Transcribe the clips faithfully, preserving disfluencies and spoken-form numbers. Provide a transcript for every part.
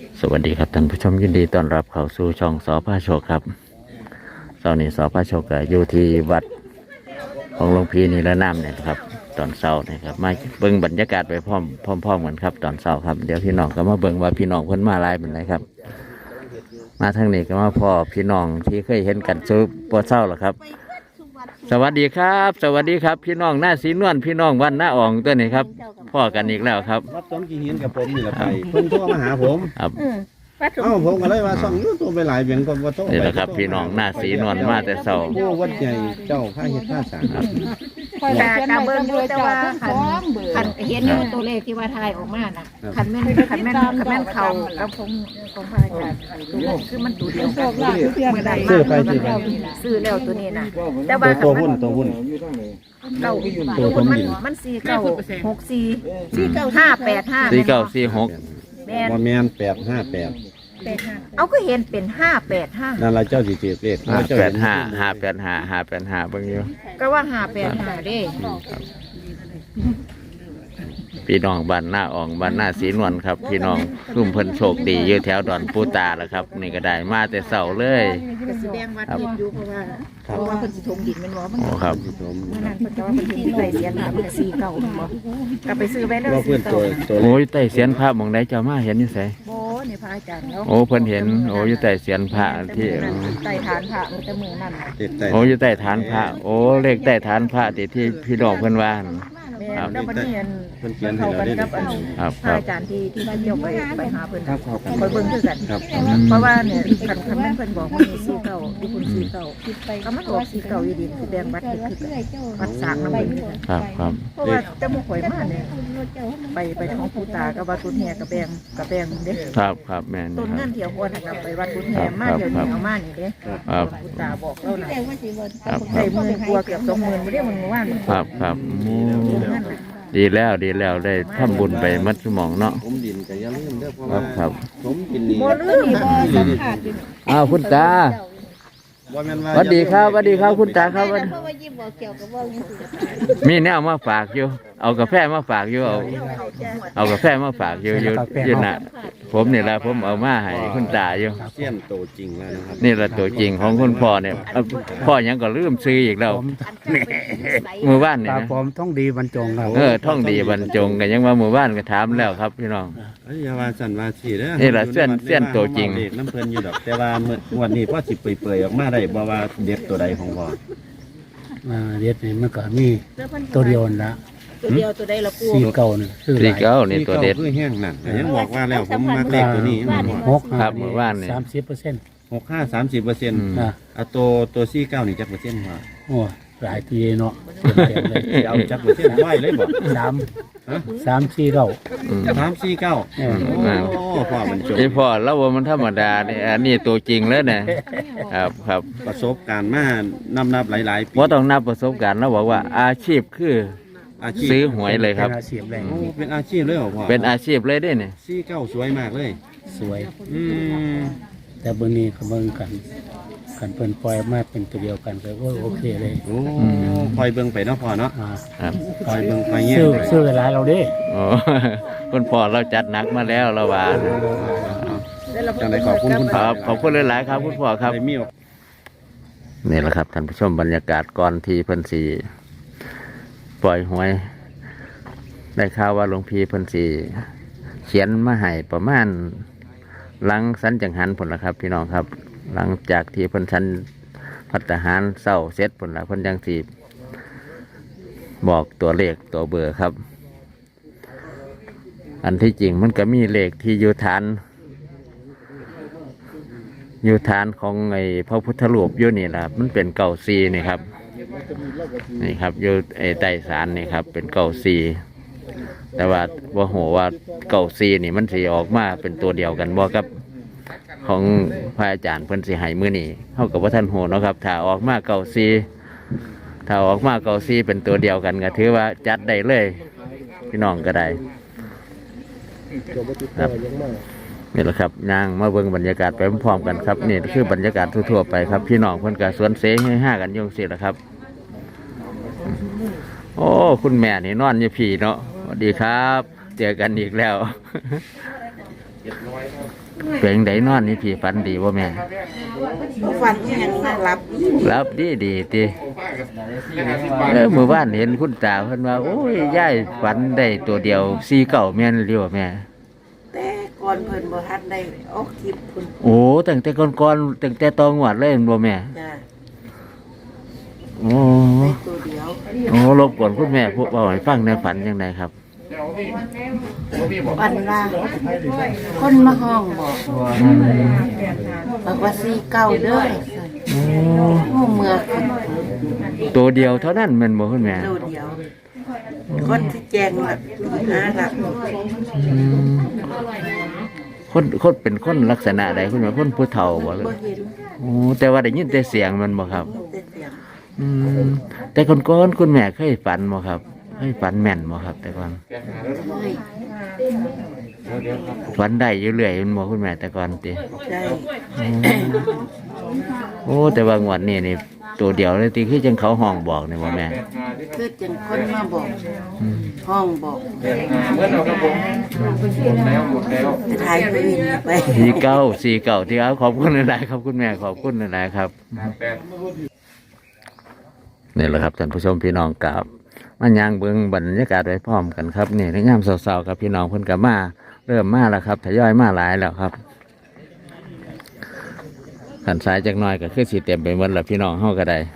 สวัสดีครับท่านผู้ชมยินดีต้อนรับเข้าสู่ช่องสพโชคครับตอนนี้สพโชคอยู่ที่วัดของหลวงพี่นิรนามเนี่ยครับตอนเช้าเนี่ยครับมาเบิ่งบรรยากาศไปพร้อมพร้อมๆกันครับตอนเช้าครับเดี๋ยวพี่น้องก็มาเบิ่งว่าพี่น้องเพิ่นมาหลายเป็นไรครับมาทางนี้ก็มาพ่อพี่น้องที่เคยเห็นกันซื้อปวดเช้าหรอครับสวัสดีครับ สวัสดีครับพี่น้องหน้าสีนวลพี่น้องวันหน้าอ่องตัวนี้ครับพ่อกันอีกแล้วครับวัดต้นกี่หินกับผมนี่แหละไปเพิ่นโทรมาหาผมครับเอ้าผมก็เลยว่าส่องยูทูบไปหลายเบียงก็บ่โทรนี่แหละครับพี่น้องหน้าสีนวลมาแต่เช้าผู้วัดใหญ่เจ้าข้าเฮ็ดข้าสร้างครับกะกะเบิ่งอยู่แต่ว่าคันคันเห็นอยู่ตัวเลขที่ว่าทายออกมาน่ะคันแม่นคันแม่นคันแม่นเขากับของของพระอาจารย์คือมันตัวเดียวกันเมื่อใดซื้อไปซื้อไปซื้อแล้วตัวนี้น่ะแต่ว่าตัวหุ้นตัวหุ้นเก้าตัวหุ้นมันมันสี่เก้าหกสี่สี่เก้าห้าแปดห้าสี่เก้าสี่หกแม่นบ่แม่นแปดห้าแปดเอาก็เห็นเป็นห้าแปดห้านั่นล่ะเจ้าสิถือเลขห้าแปดห้าห้าแปดห้าห้าแปดห้าเบิ่งอยู่ก็ว่าห้าแปดห้าเด้พี่น้องบ้านหน้าอ่องบ้านหน้าสีนวลครับพี่น้องรุ่มเพิ่นโชคดีอยู่แถวดอนปูตาแล้วครับนี่ก็ได้มาแต่เช้าเลยก็สิแบ่งวัดดินอยู่เพราะว่าเพราะว่าเพิ่นสิถมดินแม่นบ่มันโอ้ครับเมื่อนั้นเพิ่นจะว่าเพิ่นสิได้เสียนหาเพิ่นสี่เก้าบ่ก็ไปซื้อไว้แล้วว่าเพิ่นตัวตัวโอ้ยใต้เสียนพระหม่องใดเจ้ามาเห็นอยู่ไสบ่นี่พระอาจารย์เนาะโอ้เพิ่นเห็นโอ้อยู่ใต้เสียนพระที่ใต้ฐานพระมันจะมือนั่นน่ะโอ้อยู่ใต้ฐานพระโอ้เลขใต้ฐานพระที่ที่พี่น้องเพิ่นว่าครับแล้ววันนี้อันเพิ่นเขียนให้เราได้ครับพระอาจารย์ที่ที่ว่าเที่ยวไปไปหาเพิ่นครับคอยเบิ่งคือกันเพราะว่าเนี่ยคันคันแม่นเพิ่นบอกว่ามีสี่เก้าที่คุณสี่เก้าก็มันออกสี่เก้าอยู่ดีคือแบ่งวัดคือวัดสร้างนำเพิ่นครับครับเพราะว่าแต่หมู่ข่อยมาเนี่ยไปไปท้องปู่ตากับวัดกุฎแห่กับแบ่งกับแบ่งเด้ครับครับแม่นต้นเงินเที่ยวควรกับไปวัดกุฎแห่มาเดี๋ยวนี้เอามานี่เด้ปู่ตาบอกเราน่ะครับได้หมื่นกว่าเกือบสองหมื่นบ่ได้มันว่าครับครับดีแล้วดีแล้วได้ทำบุญไปมัดสมองเนาะผมดินก็อย่าลืมเด้อเพราะครัว่าบครับผมกินนี่บ่ลืมบ่สัมผัสอยู่อ้าวคุณตาบ่แม่นว่าสวัสดีครับสวัสดีครับคุณตาครับเพราะว่ายิ้มบ่เกี่ยวกับบ่นี่สิมีแนวมาฝากอยู่เอากาแฟมาฝากอยู่เอาเอากาแฟมาฝากอยู่อยู่อยู่น่ะผมนี่แหละผมเอามาให้คุณตาอยู่เสี้ยนโตจริงแล้วนะครับนี่แหละตัวจริงของคุณพ่อเนี่ยพ่อยังก็ลืมซื้ออีกแล้วมือบ้านเนี่ยนะผมท่องดีบรรจงครับเออท่องดีบรรจงกันยังว่ามือบ้านก็ถามแล้วครับพี่น้องเอ้ยอย่าว่าสั่นว่าสิเด้อนี่แหละเสี้ยนเสี้ยนตัวจริงน้ำเพิ่นอยู่ดอกแต่ว่าเมื่อวันนี้พ่อสิเปื่อยๆออกมาได้บ่ว่าเด็ดตัวใดของพ่ออ่าเด็ดนี่มันก็มีตัวเดียวนะตัวเดียวตัวใดละปูสี่เก้านี่คือสี่เก้านี่ตัวเด็ดคือแห้งนั่นยังบอกว่าแล้วผมมาเลขตัวนี้หกครับมือบ้านนี่สามสิบเปอร์เซ็นต์หกห้าสามสิบเปอร์เซ็นต์อ่ะตัวตัวสี่เก้านี่จักเปอร์เซ็นต์พ่อโอ้หลายทีเนาะเอาจักเปอร์เซ็นต์ไว้เลยบ่สามสามสี่เก้าสามสี่เก้าโอ้พ่อมันจบไอพ่อแล้วว่ามันธรรมดาเนี่ยอันนี้ตัวจริงแล้วเนี่ยครับครับประสบการณ์มานำนับหลายๆปีว่าต้องนับประสบการณ์แล้วบอกว่าอาชีพคือซื้อหวยเลยครับเป็นอาชีพเลยเหรอพ่อเป็นอาชีพเลยได้เนี่ยสี่เก้าสวยมากเลยสวยอืมแต่เบอร์นี้เขาเบิ่งกันกันเพิ่นปล่อยมาเป็นตัวเดียวกันก็โอเคเลยโอ้คอยเบิ่งไปเนาะพ่อเนาะครับคอยเบิ่งไปเงี้ยซื้อซื้อหลายเราดิโอ้คุณพ่อเราจัดหนักมาแล้วเราว่าจังได๋ขอบคุณคุณครับขอบคุณหลายๆครับคุณพ่อครับนี่แหละครับท่านผู้ชมบรรยากาศก่อนที่เพิ่นสีปล่อยหวยได้ข่าวว่าหลวงพี่เพิ่นสีเขียนมาให้ประมาณหลังสันจังหันผลละครับพี่น้องครับหลังจากที่เพิ่นสันพัฒหารเศร้าเสร็จผลละเพิ่นยังสีบอกตัวเลขตัวเบอร์ครับอันที่จริงมันก็มีเลขที่อยู่ฐานอยู่ฐานของไอ้พระพุทธรูปอยู่นี่แหละมันเป็นเก่าซีนี่ครับนี่ครับอยู่ไอ้ใต้ศาลนี่ครับเป็นเก่าซีแต่ว่าว่าโหว่าเก่าซีนี่มันสีออกมาเป็นตัวเดียวกันบ่กับของพระอาจารย์เพิ่นสีให้มือนี่เท่ากับว่าท่านโหเนาะครับถ้าออกมาเก่าซีถ้าออกมาเก่าซีเป็นตัวเดียวกันก็ถือว่าจัดได้เลยพี่น้องก็ได้ครับนี่แหละครับนางมาเบิ่งบรรยากาศไปพร้อมๆกันครับนี่คือบรรยากาศทั่วๆไปครับพี่น้องเพิ่นก็สวนเสให้ห้ากันยงสิแหละครับโอ้คุณแม่นี่นอนอยู่พี่เนาะสวัสดีครับเจอกันอีกแล้วเป็นไดนอนนี่พี่ฝันดีบ่แม่ฟันยังน่ารับรับดีดีติเออเมื่อวานเห็นคุณตาเพิ่นว่าโอ้ยยายฝันได้ตัวเดียวสี่เก้าแม่นหรือว่าแม่แต่ก่อนเพิ่นบ่ทันได้ออกคลิปเพิ่นโอ้ตั้งแต่ก่อนๆตั้งแต่ตอนงวดเลยแม่นบ่แม่จ้ะโอ้ได้ตัวเดียวโอ้รบกวนคุณแม่พวกเว้าให้ฟังในฝันจังไดครับวันว่าคนมาห้องบอกบอกว่าสี่เก้าเด้อโอ้โอ้เมื่อขึ้นตัวเดียวเท่านั้นแม่นบ่คุณแม่ตัวเดียว คนที่แจงแบบหาหลักอืมคนคนเป็นคนลักษณะใดคุณแม่คนผู้เฒ่าบ่เลยบ่เห็นโอ้แต่ว่าได้ยินแต่เสียงมันบ่ครับแต่เสียงอืมแต่ก่อนๆคุณแม่เคยฝันบ่ครับเคยฝันแม่นบ่ครับ แต่ก่อนเฮ้ยฝันได้อยู่เรื่อยแมันบ่คุณแม่แต่ก่อนติได้โอ้แต่ว่างวดนี้นี่ตัวเดียวเลยติคือจังเขาห้องบอกนี่บ่แม่คือจังคนมาบอกอืมห้องบอกจะถ่ายคืนไปสี่เก้าสี่เก้าที่เอาขอบคุณหลายๆครับคุณแม่ขอบคุณหลายๆครับนี่แหละครับท่านผู้ชมพี่น้องกับมันยางเบิ้งบรรยากาศไว้พร้อมกันครับนี่ในงามเศร้าๆครับพี่น้องเพิ่นกับมาเริ่มมาแล้วครับทยอยมาหลายแล้วครับขันสายจักหน่อยก็คือสีเต็มไปหมดแล้วพี่น้องเฮาก็ได้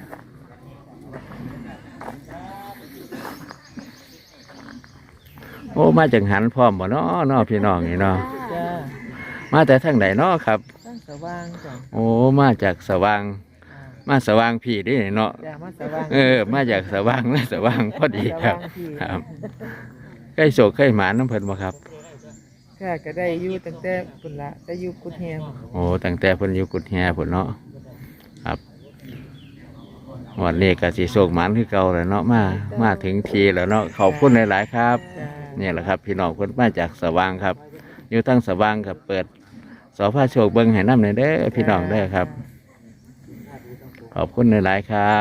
โอ้มาจากหันพร้อมบ่เนาะเนาะพี่น้องนี่เนาะจ้ามาแต่ทางไหนเนาะครับตั้งสว่างจ้ะโอ้มาจากสว่างมาสว่างพี่เดิเนาะจ้ามาสว่างเออมาจากสว่างนะสว่างพอดีครับสว่างพี่ครับใกล้โศกใกล้หมาน้ำเพิ่นบ่ครับค่ะก็ได้อยู่ตั้งแต่ปุ่นละได้อยู่กุดแฮมโอ้ตั้งแต่เพิ่นอยู่กุดแฮพุ่นเนาะครับวันนี้ก็สิโศกหมันคือเก่าแล้วเนาะมามาถึงทีแล้วเนาะขอบคุณหลายๆครับจ้านี่แหละครับพี่น้องเพิ่นมาจากสว่างครับ อยู่ตั้งสว่างกับเปิดสพโชคเบิ่งให้นำหน่อยเด้อพี่น้องเด้อครับ ขอบคุณหลายๆครับ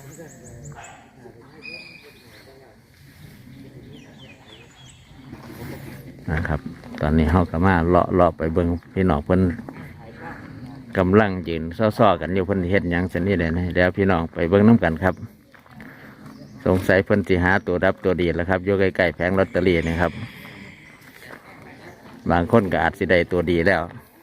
นะครับ ตอนนี้เฮาก็มาเลาะเลาะไปเบิ่งพี่น้องเพิ่นกำลังยืนซ้อๆกันอยู่เพิ่นเฮ็ดหยังซั่นนี่แหละนะเดี๋ยวพี่น้องไปเบิ่งน้ำกันครับ สงสัยเพิ่นสิหาตัวรับตัวดีแล้วครับอยู่ใกล้ๆแผงลอตเตอรี่นี่ครับ บางคนก็อาจสิได้ตัวดีแล้ว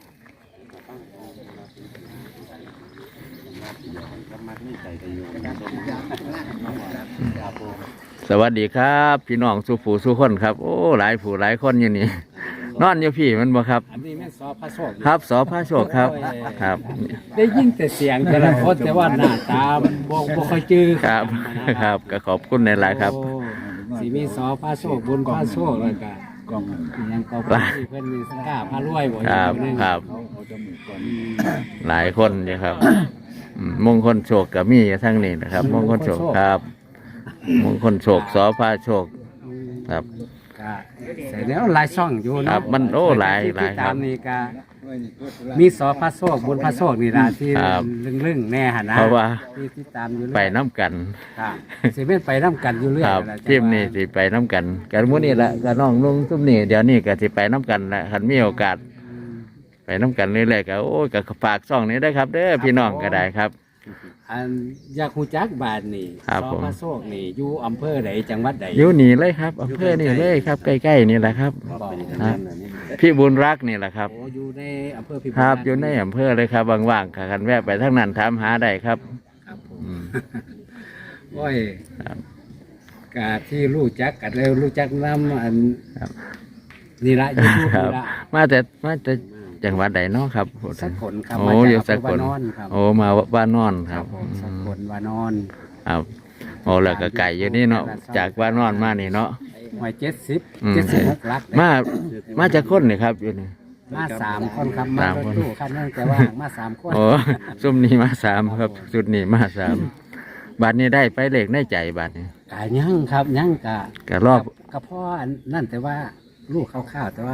สวัสดีครับ พี่น้องสู้ผู้สู้คนครับโอ้หลายผู้หลายคนอยู่นี่ นอนอยู่พี่มันบ่ครับอันนี้แม่นสอพระโชคครับสอพระโชคครับครับได้ยินแต่เสียงแต่ละคนแต่ว่าหน้าตาบ่บ่ค่อยจื้อครับครับก็ขอบคุณในหลายๆครับโอ้สิมีสอพระโชคบุญพระโชคแล้วก็กองยังก็เพิ่นมีสังฆาพระรวยบ่ครับครับ หลายคนอยู่ครับอืมมงคลโชคกับมีอยู่ทั้งนี้นะครับ มงคลโชคครับ มงคลโชคสอพระโชคครับก็เสร็จแล้วหลายช่องอยู่ครัเนาะบมันโอ้หลายที่หลายครับตามนี่ก็มีสอพระโชคบุญพระโชคนี่ล่ะที่ครับลึ่งๆแน่หั่นนะเพราะว่าที่ที่ตามอยู่เรื่อยไปน้ำกันครับสิเป็นไปน้ำกันอยู่เรื่อยครับนั่นแหละทีมนี้สิไปน้ำกันกันมื้อนี้ละกันน้องลุงทุมนี่เดี๋ยวนี้ก็สิไปน้ำกันละคันมีโอกาส ไปน้ำกันเรื่อยๆก็โอ้ยก็ฝากช่องนี้ได้อครับเด้อพี่น้องก็ได้ครับอันอยากฮู้จักบาทนี่ครับสอผมพระโชคนี่อยู่อำเภอใดจังหวัดใดอยู่นี่เลยครับอำเภอนี่เลยครับใกล้ๆนี่แหละครับบอกครับพี่บุญรักนี่แหละครับโอ้อยู่ในอำเภอพิบูลครับรัตอยู่ในอำเภอเลยครับว่างๆค่ะกันแวะไปทั้งนั้นถามหาได้ครับครับผมอืมโอ้ยครับกาที่รู้จักกันแล้วรู้จักน้ำอันครับนี่ละยูทูบครันี่บละมาแต่มาแต่จังหวัดใดเนาะครับสักคนครับโอ้มาอยู่จากสักอำเภคอน วานอนครับโอ้มาบ้านนอนคครัรับบผมสักอืมคนวานอนครับโอ้แล้วก็ไก่อยู่นี่เนาะจากบ้านนอนมานี่เนาะหวยเจ็ดสิบอืมเจ็ดสิบหกลักมามาจากคนนี่ครับอยู่นี่มาสามคนครับมาสามรคถนตู้คันนึงแต่ว่ามาสามคนโอ้ซุ่มนี้มาสามครับสุดนี้มาสามบาทนี้ได้ไปเลขในใจบาทนี้กายั่งครับยั่งกะก็รอบกะพ่ออันนั่นแต่ว่าลูกข้าวๆแต่ว่า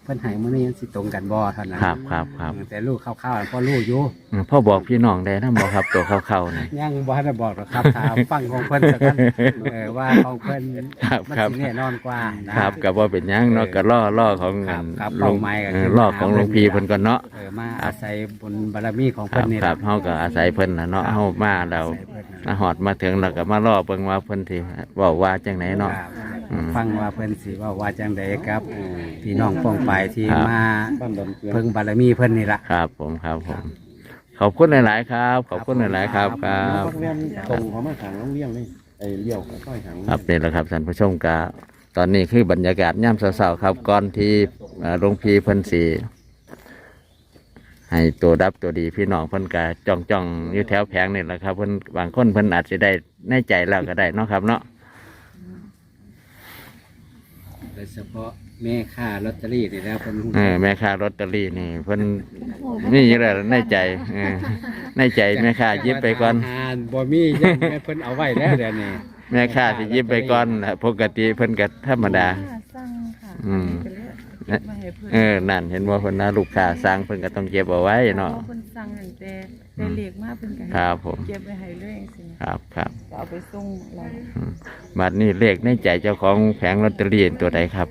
พิ่นให้มื้อนี้มันสิตรงกันบ่เท่านั้นครับครับครับแต่ลูกคร่าวๆพ่อลูกอยู่อืมพ่อบอกพี่น้องได้นะบอกครับตัวเข้าๆนี่ยังบ่ทันได้บอกหรอกครับถามฟังของเพิ่นสักกันเออว่าของเพิ่นครับมันครับสิแน่นอนกว่านะครับก็บ่เป็นหยังเนาะก็ล่อล่อของครับครับหลวงเป้าหมายก็เอคืออล่อของหลวงพี่เพิ่นก่อนเนาะเออมาอาศัยบุญบารมีของคเพิ่รันบนี่ครัล่ะบเฮาก็อาศัยเพิ่นน่ะเนาะครับเฮามาแล้วอาศัยเพิ่นน่ะมาฮอดมาถึงแล้วก็มาล่อเบิ่งว่าเพิ่นสิเว้าว่าจังไหนเนาะครับอืมฟังว่าเพิ่นสิว่าว่าจังใดครับพี่น้องป้องไปายที่ครับมาบ้านดอนเกลือเพิ่งบารมีเพิ่นนี่ล่ะครับผมครับผมขอบคุณหลายๆครับ ขอบคุณหลายๆครับครับพักแว่นตรงเขามาขังโรงเลี้ยงนี่ไอ้เลี้ยวเขาค่อยขังครับนี่แหละครับท่านผู้ชมกาตอนนี้คือบรรยากาศย่ำเสาๆครับก่อนที่เอ่อหลวงพี่เพิ่นสีให้ตัวดับตัวดีพี่น้องเพิ่นกาจ้องจ้องๆอยู่แถวแผงนี่แหละครับเพิ่นบางคนเพิ่นอาจจะได้ในใจแล้วก็ได้เนาะครับเนาะโดยเฉพาะแม่ค้าลอตเตอรี่นี่แล้วเพิ่นเออแม่ค้าลอตเตอรี่นี่เพิ่นนี่อยู่แล้วในใจเออในใจแม่ค้าหยิบไปก่อนอ่านบ่มียังแม่เพิ่นเอาไว้แล้วเดี๋ยวนี้แม่ค้าสิหยิบไปก่อนน่ะปกติเพิ่นก็ธรรมดาสั่งค่ะอืมเก็บมาให้เพิ่นเออนั่นเห็นว่าเพิ่นนะลูกค้าสั่งเพิ่นก็ต้องเก็บเอาไว้เนาะเพราะเพิ่นสั่งตั้งแต่แต่เล็กมาเพิ่นก็ให้ครับผมเก็บไว้ให้เลยจังซี่ครับครับก็เอาไปส่งเราอืมบัดนี้เลขในใจเจ้าของแผงลอตเตอรี่ตัวใดครับ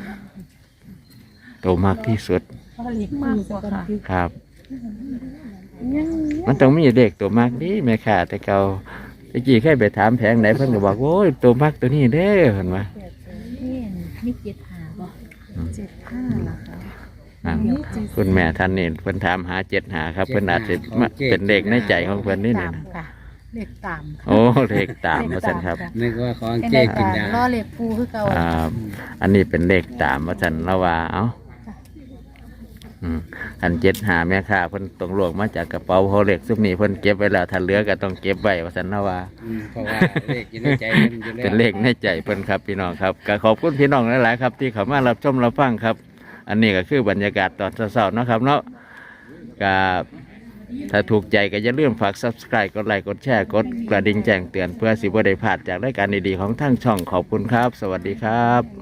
ตัวมากที่สุดมากกว่าค่ะครับยังมันต้องมีเลขตัวมากนี่แม่ค้าแต่เก่าตะกี้เคยไปถามแผงไหนเพิ่นก็บอกโอ้ยตัวมากตัวนี้เด้อเห็นไหมนี่มีเจ็ดหาบ่เจ็ดห้าล่ะค่ะครับคุณแม่ท่านนี่เพิ่นถามหาเจ็ดหาครับ เพิ่นอาจจะมาเป็นเลขในใจของเพิ่นนี่นี่ตามนะค่ะเลขตามโอ้เลขตามมาสั่นครับนึกว่าของเป็นเจ๊เลขกินตามยาล่อเลขปูคือเก่าอ่าอันนี้เป็นเลขตามมาสั่นแล้วว่าเอ้าอืมอันเจ็ดหาแม่ค้าเพิ่นต้องลวกมาจากกระเป๋าเขาเลขซุปนี้เพิ่นเก็บไว้แล้วถ้าเหลือก็ต้องเก็บไว้ว่าสั่นแล้วว่าอืมเพราะว่าเลขอยู่ในใจเพิ่นอยู่แล้วเป็นเลขในใจเพิ่นครับพี่น้องครับก็ขอบคุณพี่น้องหลายๆครับ ที่เข้ามารับชมรับฟังครับ อันนี้ก็คือบรรยากาศตอนเช้าๆเนาะครับเนาะก็ถ้าถูกใจก็อย่าลืมฝาก ซับสไครบ์ กดไลค์กดแชร์กดกระดิ่งแจ้งเตือนเพื่อสิบ่ได้พลาดจากรายการดีๆของทั้งช่องขอบคุณครับ สวัสดีครับ